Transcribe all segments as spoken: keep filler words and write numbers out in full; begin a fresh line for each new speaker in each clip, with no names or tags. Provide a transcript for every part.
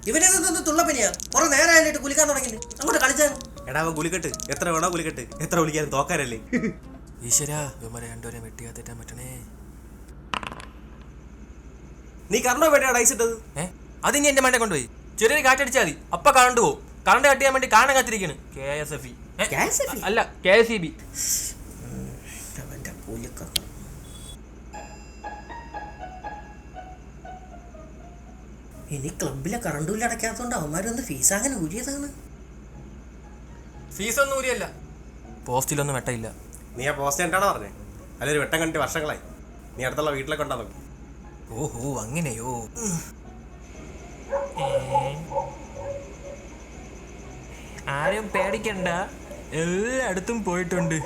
ഇവനെന്തൊന്ന് തുള്ളപ്പനിയാ? കുറെ നേരമായിട്ട് കുലിക്കാൻ തുടങ്ങി. അങ്ങോട്ട് കളിച്ചാണ്.
എടാ അവൻ കുലിക്കെട്ട്, എത്ര വേണോ കുലിക്കെട്ട്, എത്ര വിളിക്കാനും തോക്കാനല്ലേ.
ഈശ്വരാ, ഇവന്മാരെ രണ്ടുപേരെ വെട്ടിയാത്തേറ്റാൻ പറ്റണേ.
നീ കറണ്ടോ വേണ്ടിയാണ് ഐസ് ഇട്ടത്?
ഏഹ് അതിനി എന്റെ മണ്ടേ കൊണ്ടുപോയി ചെറിയൊരു കാറ്റടിച്ചാൽ മതി, അപ്പൊ കറണ്ട് പോവും. കറണ്ട് കട്ട് ചെയ്യാൻ വേണ്ടി കാണാൻ കാത്തിരിക്കണ് കെ എസ് എഫ് ഇ അല്ല കെ എസ് ഇ ബി.
ഇനി ക്ലബിലെ കറണ്ട് ബില്ല് അടയ്ക്കാത്തതുകൊണ്ട് അവന്മാരൊന്ന് ഫീസ് അങ്ങനെ ഊരിയതാണ്.
ഫീസ് ഒന്നും ഊരിയല്ല, പോസ്റ്റിലൊന്നും വെട്ടയില്ല.
നീ ആ പോസ്റ്റ് എന്താണോ പറഞ്ഞേ? അല്ലൊരു വെട്ടം കണ്ടിട്ട് വർഷങ്ങളായി. നീ അടുത്തുള്ള വീട്ടിലൊക്കെ ഉണ്ടാ നോക്കി.
ഓഹോ അങ്ങനെയോ. ആരും പേടിക്കണ്ട, എല്ലായിടത്തും പോയിട്ടുണ്ട്.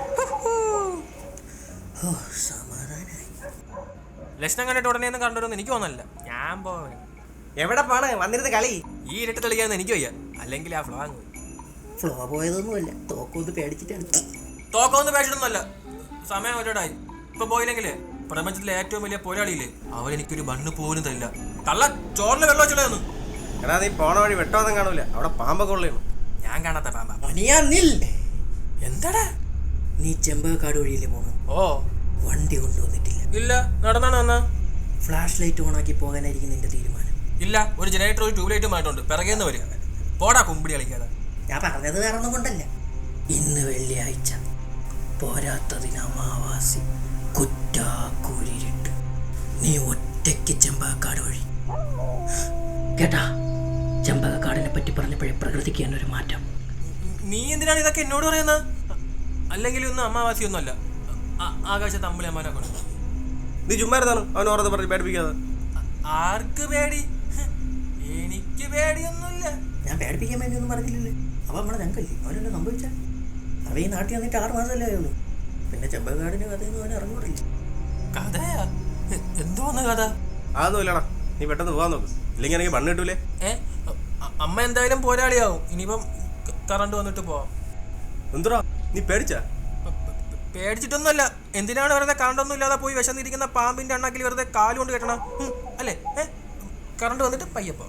ലക്ഷണം കണ്ടിട്ട് ഉടനെ ഒന്നും കണ്ടുവരുമെന്ന് എനിക്ക് തോന്നല്ല. ഞാൻ പോവേ.
എവിടെ പോണ് വന്നിരുന്ന് കളി?
ഈ ഇരട്ട് തെളിയാന്ന് എനിക്ക് വയ്യ, അല്ലെങ്കിൽ ആ ഫ്ലോ അങ്ങ്
ഫ്ലോ പോയതൊന്നുമല്ല, തോക്കൊന്ന് പേടിച്ചിട്ടാണ്.
തോക്കൊന്നും പേടിച്ചിട്ടൊന്നുമല്ല, സമയം ഒരുപാടായി. ഇപ്പൊ പോയില്ലെങ്കിലേ പ്രപഞ്ചത്തിലെ ഏറ്റവും വലിയ പോരാളിയില്ലേ, അവൻ എനിക്കൊരു ബണ്ണ് പോലും തരില്ല. കള്ള ചോറിന് വെള്ളം വെച്ചിടാന്ന്.
എടാ നീ പോണ വഴി വെട്ടമൊന്നും കാണൂല, അവിടെ പാമ്പൊക്കെ ഉള്ളതാണ്.
ഞാൻ കാണാത്ത പാമ്പ.
എന്താടാ നീ ചെമ്പകക്കാട് വഴിയില്ലേ പോണു?
ഓ
വണ്ടി കൊണ്ടുവന്നിട്ടില്ല?
ഇല്ല, നടന്നാണ് വന്നാ.
ഫ്ലാഷ് ലൈറ്റ് ഓണാക്കി പോകാനായിരിക്കും നിന്റെ തീരുമാനം?
ഇല്ല, ഒരു ജനറേറ്റർ ഒരു ട്യൂബ് ലൈറ്റും ആയിട്ടുണ്ട്, പിറകേന്ന് വരിക. പോടാ കുമ്പിടി കളിക്കാതെ.
ഞാൻ പറഞ്ഞത് വേറെ ഒന്നും കൊണ്ടല്ല. ഇന്ന് വെള്ളിയാഴ്ച, പോരാത്തതിന് അമാവാസി, കുറ്റാക്കൂരിട്ട്, നീ ഒറ്റയ്ക്ക് ചെമ്പകക്കാട് വഴി. കേട്ടാ, ചെമ്പകക്കാടിനെ പറ്റി പറഞ്ഞപ്പോഴേ പ്രകൃതിക്ക് തന്നെ ഒരു മാറ്റം.
നീ എന്തിനാണ് ഇതൊക്കെ എന്നോട് പറയുന്നത്? അല്ലെങ്കിൽ ഒന്നും അമാവാസി ഒന്നും അല്ല, ആകാശത്ത് അമ്പളി അമ്മാനെ കൊണ്ട്.
നീ ചുമ്മാരുന്നാണ് അവൻ ഓർത്ത് പറഞ്ഞ് പേടിപ്പിക്കാതെ.
ആർക്ക് പേടി? എനിക്ക് പേടിയൊന്നുമില്ല.
ഞാൻ പേടിപ്പിക്കാൻ വേണ്ടി ഒന്നും പറഞ്ഞില്ലല്ലേ. അവ നമ്മളെ ഞങ്ങൾക്കല്ലേ, അവനെന്നെ സംഭവിച്ച. അവ ഈ നാട്ടിൽ വന്നിട്ട് ആറ് മാസമല്ലേ ആയുള്ളൂ. പിന്നെ ചെമ്പകക്കാടിന്റെ കഥയൊന്നും അവനെ അറിഞ്ഞൂടില്ല.
കഥയാ? എന്തോന്ന് കഥ?
അതൊന്നും ഇല്ലടാ, നീ പെട്ടെന്ന് പോകാൻ നോക്ക്, ഇല്ലെങ്കിൽ എനിക്ക് മണ്ണ് കിട്ടൂലേ.
ഏ അമ്മ എന്തായാലും പോരാളിയാവും. ഇനിയിപ്പം കറണ്ട് വന്നിട്ട് പോവാം.
എന്തുടാ നീ പേടിച്ചാ?
പേടിച്ചിട്ടൊന്നുമല്ല. എന്തിനാണ് വെറുതെ കറണ്ടൊന്നും ഇല്ലാതെ പോയി വിശന്നിരിക്കുന്ന പാമ്പിന്റെ അണ്ണാക്കിൽ വെറുതെ കാലുകൊണ്ട് കെട്ടണം അല്ലേ? ഏ കറണ്ട് വന്നിട്ട് പയ്യപ്പോ.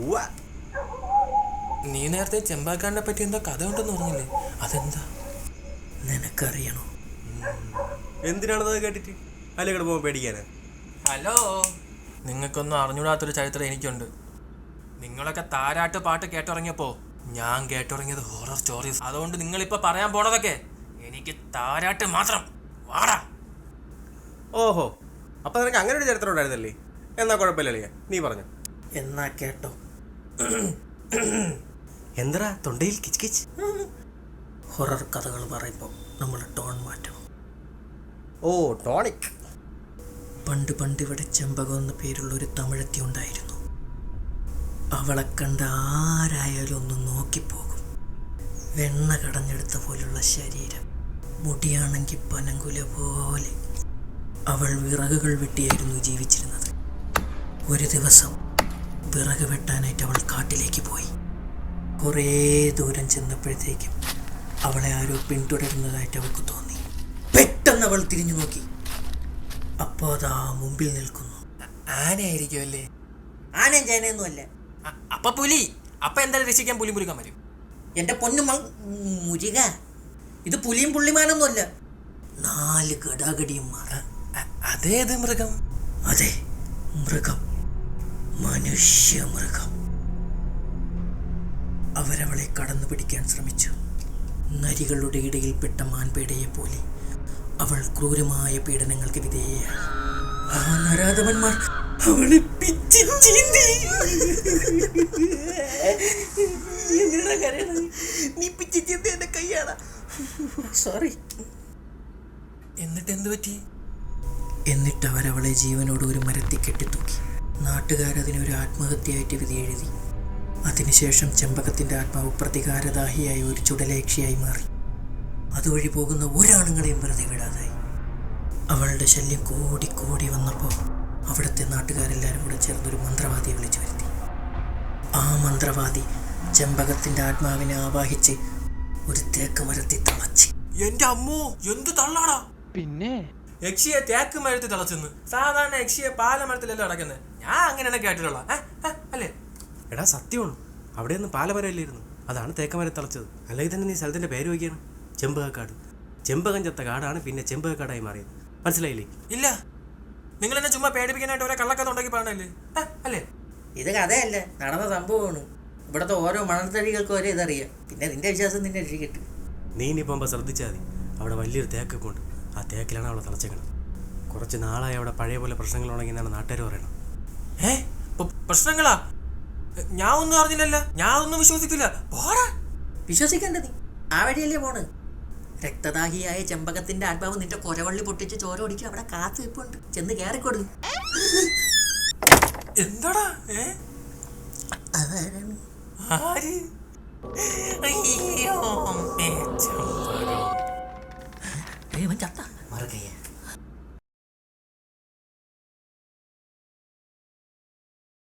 നീ നേരത്തെ ചെമ്പകക്കാടിനെ പറ്റി എന്താ കഥ ഉണ്ടെന്ന് പറഞ്ഞില്ലേ, അതെന്താ
നിനക്കറിയണോ?
എന്തിനാണത് കേട്ടിട്ട് അല്ലെങ്കിൽ പോകുമ്പോൾ പേടിക്കാനാ?
ഹലോ, നിങ്ങൾക്കൊന്നും അറിഞ്ഞൂടാത്തൊരു ചരിത്രം എനിക്കുണ്ട്. നിങ്ങളൊക്കെ താരാട്ട് പാട്ട് കേട്ടിറങ്ങിയപ്പോ ഞാൻ കേട്ടിറങ്ങിയത് ഹൊറർ സ്റ്റോറീസ്. അതുകൊണ്ട് നിങ്ങളിപ്പോ പറയാൻ പോണതൊക്കെ എനിക്ക് താരാട്ട് മാത്രം. വാടാ.
ഓഹോ, അപ്പൊ നിനക്ക് അങ്ങനെ ഒരു ചരിത്രം ഉണ്ടായിരുന്നല്ലേ? എന്നാ കുഴപ്പമില്ലല്ലേ, നീ പറഞ്ഞു.
എന്നാ കേട്ടോ.
എന്താ തൊണ്ടയിൽ കിച്ച് കിച്ച്?
ഹൊറർ കഥകൾ പറയുമ്പോൾ നമ്മൾ ടോൺ മാറ്റണം.
ഓ ടോണിക്.
പണ്ട് പണ്ട് ഇവിടെ ചെമ്പകം എന്ന പേരുള്ള ഒരു തമിഴത്തി ഉണ്ടായിരുന്നു. അവളെ കണ്ട ആരായാലും ഒന്ന് നോക്കിപ്പോകും. വെണ്ണ കടഞ്ഞെടുത്ത പോലുള്ള ശരീരം, മുടിയാണെങ്കിൽ പനങ്കുല പോലെ. അവൾ വിറകുകൾ വെട്ടിയായിരുന്നു ജീവിച്ചിരുന്നത്. ഒരു ദിവസം വിറക് വെട്ടാനായിട്ട് അവൾ കാട്ടിലേക്ക് പോയി. കുറേ ദൂരം ചെന്നപ്പോഴത്തേക്കും അവളെ ആരോ പിന്തുടരുന്നതായിട്ട് അവൾക്ക് തോന്നി. പെട്ടെന്ന് അവൾ തിരിഞ്ഞു നോക്കി. അപ്പോൾ അതാ മുമ്പിൽ നിൽക്കുന്നു.
ആനയായിരിക്കും അല്ലേ?
ആനയും ചേനയൊന്നും അല്ല.
അപ്പൊ പുലി. അപ്പൊ എന്തായാലും രക്ഷിക്കാൻ പുലി പുലിക്കാൻ വരും.
എന്റെ പൊന്നു മുരുക, ഇത് പുലിയും പുള്ളിമാനൊന്നും അല്ല, നാല് ഗടാഗടിയന്മാർ.
അതേത് മൃഗം?
അതെ, മൃഗം, മനുഷ്യ മൃഗം. അവരവളെ കടന്നു പിടിക്കാൻ ശ്രമിച്ചു. നരികളുടെ ഇടയിൽപ്പെട്ട മാൻപേടയെ പോലെ അവൾ ക്രൂരമായ പീഡനങ്ങൾക്ക് വിധേയയായി. ആ നരാധവന്മാർ അവളെ പിച്ചി ചീന്തി. നീ പിച്ചി ചീന്തി എന്റെ കൈയാണ്. സോറി.
എന്നിട്ട് എന്ത് പറ്റി?
എന്നിട്ട് അവരവളെ ജീവനോട് ഒരു മരത്തിൽ കെട്ടിത്തൂക്കി. നാട്ടുകാരതിനൊരു ആത്മഹത്യയായിട്ട് വിധി എഴുതി. അതിനുശേഷം ചെമ്പകത്തിൻ്റെ ആത്മാവ് പ്രതികാരദാഹിയായ ഒരു ചുടലേക്ഷിയായി മാറി. അതുവഴി പോകുന്ന ഒരാണുങ്ങളെയും വെറുതെ വിടാതായി. അവളുടെ ശല്യം കൂടി കൂടി വന്നപ്പോൾ അവിടുത്തെ നാട്ടുകാരെല്ലാവരും കൂടെ ചേർന്നൊരു മന്ത്രവാദിയെ വിളിച്ചു വരുത്തി. ആ മന്ത്രവാദി ചെമ്പകത്തിൻ്റെ ആത്മാവിനെ ആവാഹിച്ച് ഒരു തേക്ക് മരത്തിൽ തളച്ച്.
എന്റെ അമ്മോ, എന്ത് തള്ളാടാ! പിന്നെ യക്ഷിയെ തേക്ക് മരത്തിൽ തിളച്ചെന്ന്. സാധാരണ യക്ഷിയെ പാലമരത്തിലല്ലേ അടക്കുന്നത്. ഞാൻ അങ്ങനെയാണ് കേട്ടിട്ടുള്ള അല്ലേ?
എടാ സത്യമാണ്, അവിടെ നിന്ന് പാലമരമില്ലായിരുന്നു, അതാണ് തേക്കമരം തളച്ചത്. അല്ലെങ്കിൽ തന്നെ നീ സ്ഥലത്തിൻ്റെ പേര് വയ്ക്കുകയാണ്, ചെമ്പകക്കാട്. ചെമ്പകം ചത്ത കാടാണ് പിന്നെ ചെമ്പകക്കാടായി മാറിയത്. മനസ്സിലായില്ലേ?
ഇല്ല, നിങ്ങൾ എന്നെ ചുമ്മാ പേടിപ്പിക്കാനായിട്ട് ഓരോ കള്ളക്കഥ ഉണ്ടാക്കി പറയണല്ലേ, ആ, അല്ലേ?
ഇത് കഥയല്ല, നടന്ന സംഭവമാണ്. ഇവിടുത്തെ ഓരോ മണൽത്തടികൾക്കും ഒരേ ഇതറിയാം. പിന്നെ നിന്റെ വിശ്വാസം നിന്നെ രക്ഷിക്കട്ടെ.
നീ ഇനി പോകുമ്പോൾ ശ്രദ്ധിച്ചാൽ മതി, അവിടെ വലിയൊരു തേക്കൊക്കെ ഉണ്ട്. ആ തേക്കിലാണ് അവളെ തളച്ചേക്കണം. കുറച്ച് നാളായി അവിടെ പഴയ പോലെ പ്രശ്നങ്ങളുണ്ടെങ്കിലാണ് നാട്ടുകാർ പറയണം.
ഏ പ- പ്രശ്നങ്ങളാ? ഞാൻ ഒന്നും അറിഞ്ഞില്ലല്ലോ, ഞാൻ ഒന്നും വിശ്വസിക്കില്ല. പോടാ.
വിശ്വസിക്കണ്ട, നീ ആ വഴിയല്ലേ പോണ്. രക്തദാഹിയായ ചെമ്പകത്തിന്റെ ആത്മാവ് നിന്റെ കൊരവള്ളി പൊട്ടിച്ച് ചോര ഒടിച്ച് അവിടെ കാത്തു വെപ്പുണ്ട്. ചെന്ന് കയറിക്കൊടു.
എന്താടാ? ഏ
അതാരാണ്?
ആര്? അയ്യോ, അമ്മേ, ചെമ്പകം.
ഏ, ഇവൻ ചത്ത. മറുകയ്യ